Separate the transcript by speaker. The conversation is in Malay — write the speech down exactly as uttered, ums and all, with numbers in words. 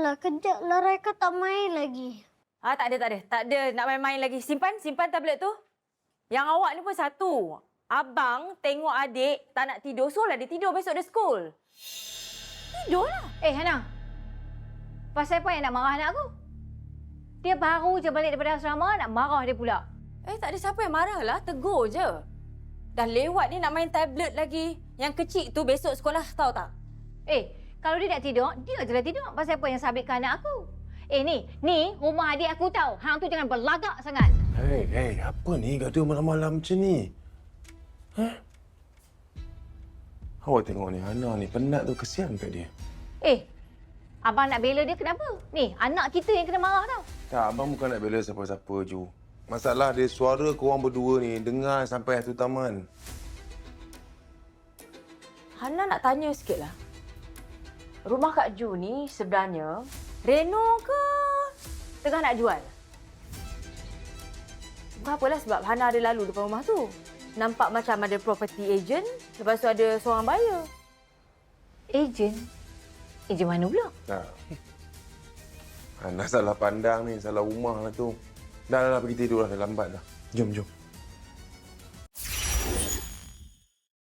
Speaker 1: Sudahlah, kejaplah Raika tak main lagi.
Speaker 2: Ah, tak ada, tak ada. Tak ada nak main-main lagi. Simpan, simpan tablet tu. Yang awak ni pun satu. Abang tengok adik tak nak tidur, suruhlah dia tidur besok dia school. Tidurlah.
Speaker 3: Eh, Hana. Pasal apa yang nak marah anak aku? Dia baru je balik daripada asrama, nak marah dia pula.
Speaker 2: Eh, tak ada siapa yang marah lah. Tegur je. Dah lewat ni nak main tablet lagi. Yang kecil tu besok sekolah, tahu tak?
Speaker 3: Eh, kalau dia nak tidur, dia je lah tidur. Pasal apa yang sabitkan anak aku? Eh, ni, ni rumah adik aku tahu. Hang tu jangan berlagak sangat.
Speaker 4: Hei, hei, apa ni gaduh malam-malam macam ni? Hah? Awak tengok ni, Hana ni penat tu, kesian kat dia.
Speaker 3: Eh, abang nak bela dia kenapa? Ni, anak kita yang kena marah tau.
Speaker 4: Tak, abang bukan nak bela siapa-siapa, Ju. Masalah dia suara korang berdua ni, dengar sampai satu taman.
Speaker 2: Hana nak tanya sikit lah. Rumah Kak Ju ni sebenarnya reno ke tengah nak jual? Bukan apalah sebab Hana ada lalu depan rumah tu. Nampak macam ada property agent, lepas tu ada seorang buyer.
Speaker 3: Ejen? Ejen mana pula?
Speaker 4: Tak. Hana salah pandang ni, salah rumah lah tu. Dah, dah, dah pergi tidur lah, dah lambat dah. Jom, jom.